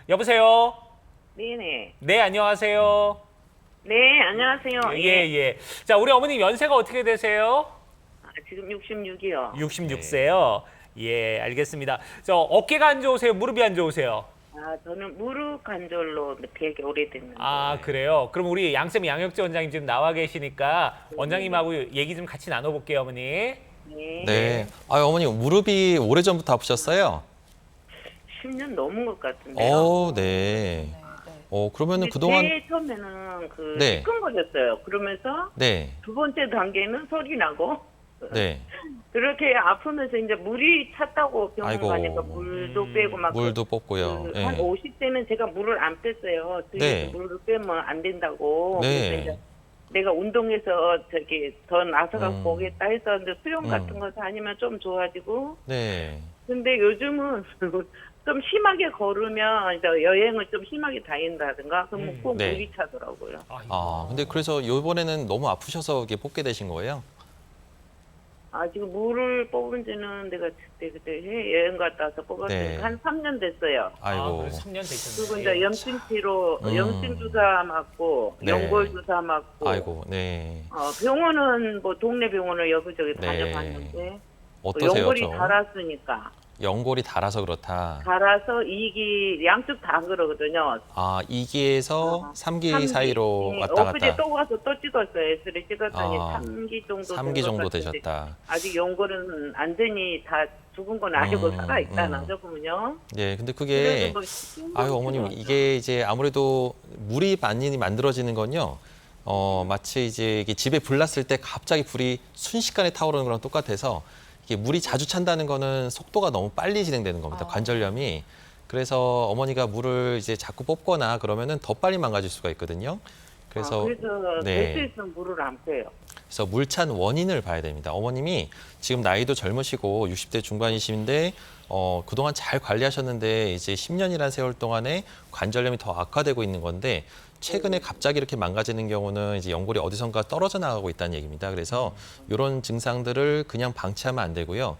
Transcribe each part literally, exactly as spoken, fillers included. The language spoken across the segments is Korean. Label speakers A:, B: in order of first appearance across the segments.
A: 여보세요?
B: 네네.
A: 네, 안녕하세요.
B: 네, 안녕하세요.
A: 예, 예. 자, 우리 어머님 연세가 어떻게 되세요?
B: 아, 지금 육십육이요.
A: 육십육 세요. 예, 알겠습니다. 저 어깨가 안 좋으세요? 무릎이 안 좋으세요?
B: 아, 저는 무릎 관절로 되게 오래됐는데.
A: 아, 그래요? 그럼 우리 양쌤 양혁재 원장님 지금 나와 계시니까 원장님하고 얘기 좀 같이 나눠볼게요, 어머니.
B: 네.
C: 네. 아, 어머니 무릎이 오래전부터 아프셨어요?
B: 십 년 넘은 것 같은데요.
C: 어, 네. 어, 그러면은
B: 근데
C: 그동안
B: 제일 처음에는 그
C: 네.
B: 시큰거렸어요. 그러면서
C: 네.
B: 두 번째 단계는 소리 나고
C: 네.
B: 그렇게 아프면서 이제 물이 찼다고 병원
C: 아이고.
B: 가니까 물도
A: 음,
B: 빼고 막
C: 물도 뽑고요.
B: 그,
C: 네.
B: 한 오십 대는 제가 물을 안 뺐어요.
C: 네.
B: 물을 빼면 안 된다고.
C: 네.
B: 그래서 이제 내가 운동해서 저기 더 나서가
C: 음.
B: 보겠다 했었는데 수영
C: 음.
B: 같은 거 다니면 좀 좋아지고.
C: 네.
B: 근데 요즘은 좀 심하게 걸으면 이제 여행을 좀 심하게 다닌다든가 그러면
A: 음.
B: 꼭
C: 네.
B: 물이 차더라고요.
A: 아이고.
C: 아, 근데 그래서 이번에는 너무 아프셔서 이게 뽑게 되신 거예요?
B: 아 지금 물을 뽑은 지는 내가 그때 그때 해 여행 갔다 와서 뽑았으니까
C: 네.
B: 한 삼 년 됐어요.
A: 아,
C: 아이고.
A: 그래서 삼 년
B: 그리고
A: 되셨네요.
B: 이제 염증 치료,
C: 음.
B: 염증 주사 맞고,
C: 네.
B: 연골 주사 맞고.
C: 아이고. 네.
B: 어, 병원은 뭐 동네 병원을 여기저기
C: 네.
B: 다녀봤는데 또
C: 어떠세요,
B: 연골이
C: 좀?
B: 달았으니까
C: 연골이 닳아서 그렇다.
B: 달아서 이기 양쪽 다 그러거든요.
C: 아, 이 기에서
B: 어,
C: 삼 기
B: 삼 기.
C: 사이로
B: 예,
C: 왔다
B: 엊그제
C: 갔다.
B: 또 가서 또 찍었어요. 엑스레이 찍었더니
C: 아,
B: 삼 기 정도
C: 삼
B: 된것
C: 기 정도
B: 같은데
C: 되셨다.
B: 아직 연골은 완전히 다 죽은 건 아니고
C: 음,
B: 살아있다
C: 음.
B: 나저보면요.
C: 네, 근데 그게
B: 뭐
C: 아유 어머님 이게 이제 아무래도 물이 많이 만들어지는 건요. 어 마치 이제 이게 집에 불 났을 때 갑자기 불이 순식간에 타오르는 거랑 똑같아서 이게 물이 자주 찬다는 거는 속도가 너무 빨리 진행되는 겁니다.
A: 아.
C: 관절염이. 그래서 어머니가 물을 이제 자꾸 뽑거나 그러면은 더 빨리 망가질 수가 있거든요. 그래서
B: 아, 그래서
C: 네.
B: 될 수 있으면 물을 안 빼요.
C: 그래서 물찬 원인을 봐야 됩니다. 어머님이 지금 나이도 젊으시고 육십 대 중반이신데 어, 그동안 잘 관리하셨는데 이제 십 년이라는 세월 동안에 관절염이 더 악화되고 있는 건데 최근에 갑자기 이렇게 망가지는 경우는 이제 연골이 어디선가 떨어져 나가고 있다는 얘기입니다. 그래서 이런 증상들을 그냥 방치하면 안 되고요.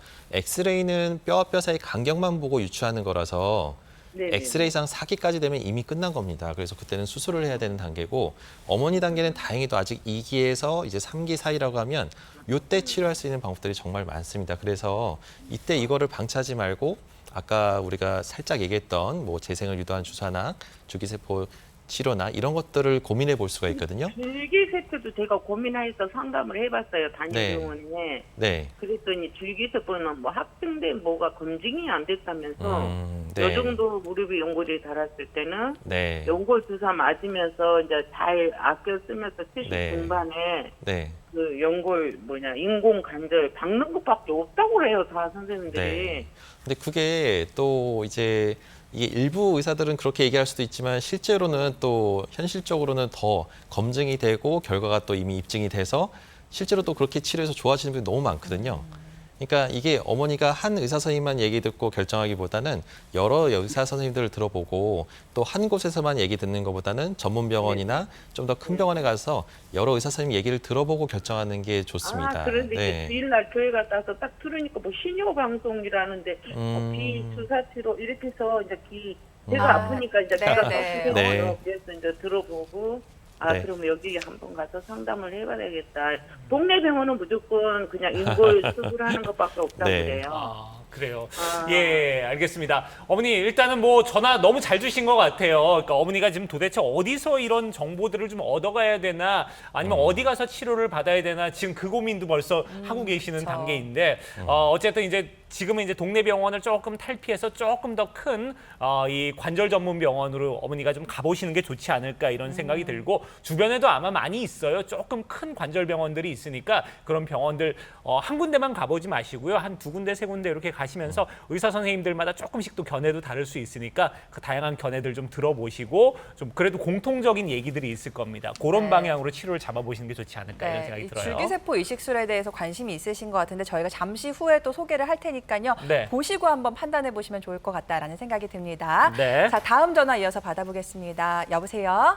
C: 엑스레이는 뼈와 뼈 사이 간격만 보고 유추하는 거라서
B: 네네.
C: 엑스레이상 사 기까지 되면 이미 끝난 겁니다. 그래서 그때는 수술을 해야 되는 단계고 어머니 단계는 다행히도 아직 이 기에서 이제 삼 기 사이라고 하면 이때 치료할 수 있는 방법들이 정말 많습니다. 그래서 이때 이거를 방치하지 말고 아까 우리가 살짝 얘기했던 뭐 재생을 유도한 주사나 주기세포 치료나 이런 것들을 고민해 볼 수가 있거든요.
B: 줄기세포도 제가 고민해서 상담을 해봤어요.
C: 네.
B: 단일병원에.
C: 네.
B: 그랬더니 줄기세포는 뭐 합병된 뭐가 검증이 안 됐다면서
C: 음,
B: 이
C: 네.
B: 정도 무릎이 연골이 닳았을 때는
C: 네.
B: 연골 주사 맞으면서 이제 잘 아껴 쓰면서 칠십
C: 네.
B: 중반에
C: 네.
B: 그 연골 뭐냐 인공 관절 박는 것밖에 없다고 그래요 다 선생님들이.
C: 네. 근데 그게 또 이제 이게 일부 의사들은 그렇게 얘기할 수도 있지만 실제로는 또 현실적으로는 더 검증이 되고 결과가 또 이미 입증이 돼서 실제로 또 그렇게 치료해서 좋아지는 분이 너무 많거든요. 그러니까 이게 어머니가 한 의사 선생님만 얘기 듣고 결정하기보다는 여러 의사 선생님들을 들어보고 또 한 곳에서만 얘기 듣는 것보다는 전문 병원이나 좀 더 큰 병원에 가서 여러 의사 선생님 얘기를 들어보고 결정하는 게 좋습니다.
B: 아 그런데
C: 네.
B: 이제 주일날 교회 갔다 와서 딱 들으니까 뭐 신요 방송이라는데
C: 음.
B: 어, 비 주사 치료 이렇게 해서 이제 기 제가
C: 음.
B: 아, 프니까 이제
D: 네,
B: 내가
D: 네.
B: 네. 그래서 이제 들어보고 아
C: 네.
B: 그럼 여기 한번 가서 상담을 해봐야겠다. 동네 병원은 무조건 그냥 인골 수술하는 것밖에 없다고
C: 네.
B: 그래요.
A: 아, 그래요.
B: 아.
A: 예, 알겠습니다. 어머니, 일단은 뭐 전화 너무 잘 주신 것 같아요. 그러니까 어머니가 지금 도대체 어디서 이런 정보들을 좀 얻어가야 되나 아니면
C: 음.
A: 어디 가서 치료를 받아야 되나 지금 그 고민도 벌써 하고 계시는
D: 그쵸.
A: 단계인데
C: 음.
A: 어, 어쨌든 이제 지금은 이제 동네 병원을 조금 탈피해서 조금 더 큰 어, 이 관절 전문 병원으로 어머니가 좀 가보시는 게 좋지 않을까 이런 생각이 들고 주변에도 아마 많이 있어요. 조금 큰 관절 병원들이 있으니까 그런 병원들 어, 한 군데만 가보지 마시고요. 한 두 군데, 세 군데 이렇게 가시면서 의사 선생님들마다 조금씩 또 견해도 다를 수 있으니까 그 다양한 견해들 좀 들어보시고 좀 그래도 공통적인 얘기들이 있을 겁니다. 그런
D: 네.
A: 방향으로 치료를 잡아보시는 게 좋지 않을까 이런 생각이
D: 이
A: 들어요.
D: 줄기세포 이식술에 대해서 관심이 있으신 것 같은데 저희가 잠시 후에 또 소개를 할 테니까요.
A: 네.
D: 보시고 한번 판단해 보시면 좋을 것 같다라는 생각이 듭니다.
A: 네.
D: 자, 다음 전화 이어서 받아보겠습니다. 여보세요?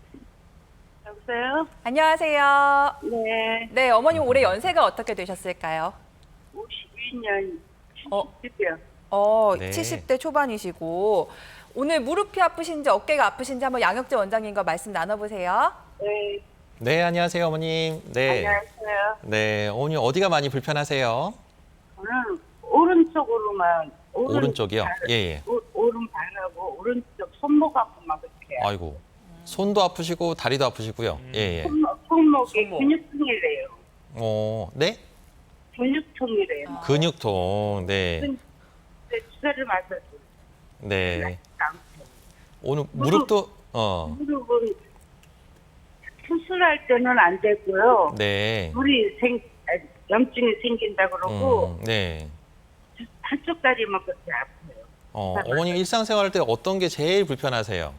B: 여보세요?
D: 안녕하세요.
B: 네.
D: 네, 어머님 올해 연세가 어떻게 되셨을까요?
B: 오십이 년
D: 어.
B: 칠십이요.
D: 어,
C: 네.
D: 칠십 대 초반이시고 오늘 무릎이 아프신지 어깨가 아프신지 한번 양혁재 원장님과 말씀 나눠보세요.
B: 네,
C: 네, 안녕하세요, 어머님. 네.
B: 안녕하세요.
C: 네, 어머님 어디가 많이 불편하세요?
B: 저는 오른쪽으로만 오른,
C: 오른쪽이요?
B: 발,
C: 예, 예.
B: 오, 오른발하고 오른쪽 손목하고 막 이렇게
C: 아이고. 손도 아프시고 다리도 아프시고요. 예, 예.
B: 손목, 손목에
A: 손목.
B: 근육통이래요.
C: 어, 네?
B: 근육통이래요.
C: 근육통. 네.
B: 근데 주사를 맞아서
C: 네.
B: 아무튼
C: 오늘 무릎도 어.
B: 무릎은 수술할 때는 안 되고요.
C: 네.
B: 물이 생 아, 염증이 생긴다 그러고
C: 음, 네.
B: 한쪽 다리만 그렇게 아파요.
C: 어, 어머님 일상생활 할 때 어떤 게 제일 불편하세요?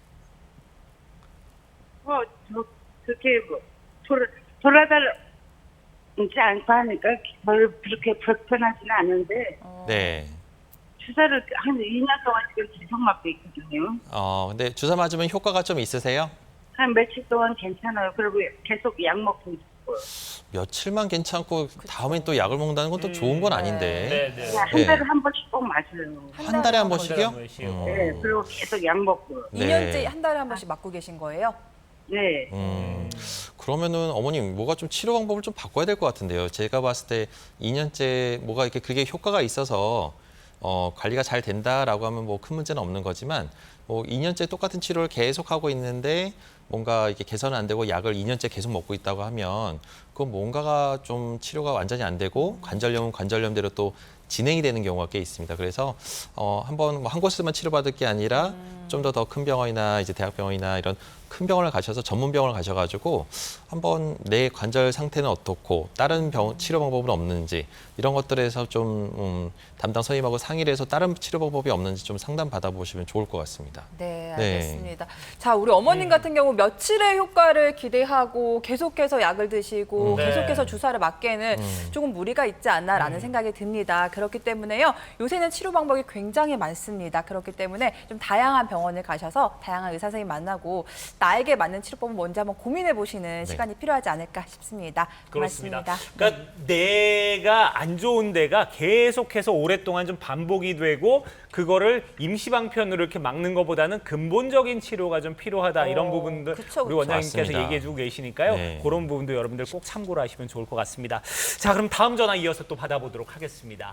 B: 뭐, 저, 그렇게 뭐, 돌아, 돌아다니지 않고 하니까 별로 그렇게 불편하지는 않은데,
C: 네.
B: 주사를 한 이 년 동안 지금 계속 맞고 있거든요.
C: 어, 근데 주사 맞으면 효과가 좀 있으세요?
B: 한 며칠 동안 괜찮아요. 그리고 계속 약 먹고 있고요.
C: 며칠만 괜찮고 다음엔 또 약을 먹는다는 건 또 좋은 건 아닌데.
A: 네, 네.
B: 그냥 한
C: 네.
B: 달에 한 번씩 꼭 맞아요.
C: 한 달에 한 번씩이요?
A: 한 달에 한 번씩이요?
C: 음.
B: 네, 그리고 계속 약 먹고.
C: 네.
D: 이 년째 한 달에 한 번씩 맞고 계신 거예요?
B: 네.
C: 음, 그러면은 어머님 뭐가 좀 치료 방법을 좀 바꿔야 될 것 같은데요. 제가 봤을 때 이 년째 뭐가 이렇게 그게 효과가 있어서 어, 관리가 잘 된다라고 하면 뭐 큰 문제는 없는 거지만 뭐 이 년째 똑같은 치료를 계속 하고 있는데 뭔가 이게 개선은 안 되고 약을 이 년째 계속 먹고 있다고 하면 그건 뭔가가 좀 치료가 완전히 안 되고 관절염은 관절염대로 또 진행이 되는 경우가 꽤 있습니다. 그래서 어, 한번 뭐 한 곳에서만 치료받을 게 아니라 좀 더 더 큰 병원이나 이제 대학병원이나 이런 큰 병원을 가셔서 전문 병원을 가셔가지고 한번 내 관절 상태는 어떻고 다른 병 치료 방법은 없는지 이런 것들에서 좀 음, 담당 선생님하고 상의를 해서 다른 치료 방법이 없는지 좀 상담 받아보시면 좋을 것 같습니다.
D: 네,
C: 네.
D: 알겠습니다. 자, 우리 어머님 같은 경우 며칠의 효과를 기대하고 계속해서 약을 드시고
C: 음.
A: 네.
D: 계속해서 주사를 맞기에는
C: 음.
D: 조금 무리가 있지 않나라는 생각이 듭니다. 그렇기 때문에요. 요새는 치료 방법이 굉장히 많습니다. 그렇기 때문에 좀 다양한 병원을 가셔서 다양한 의사 선생님 만나고 나에게 맞는 치료법은 뭔지 한번 고민해 보시는 시간이 필요하지 않을까 싶습니다.
A: 그렇습니다.
D: 고맙습니다.
A: 그러니까 내가 안 좋은 데가 계속해서 오랫동안 좀 반복이 되고 그거를 임시방편으로 이렇게 막는 것보다는 근본적인 치료가 좀 필요하다 이런
D: 어,
A: 부분들
D: 그쵸,
A: 우리
D: 그쵸.
A: 원장님께서
C: 맞습니다.
A: 얘기해주고 계시니까요.
C: 네.
A: 그런 부분도 여러분들 꼭 참고를 하시면 좋을 것 같습니다. 자, 그럼 다음 전화 이어서 또 받아보도록 하겠습니다.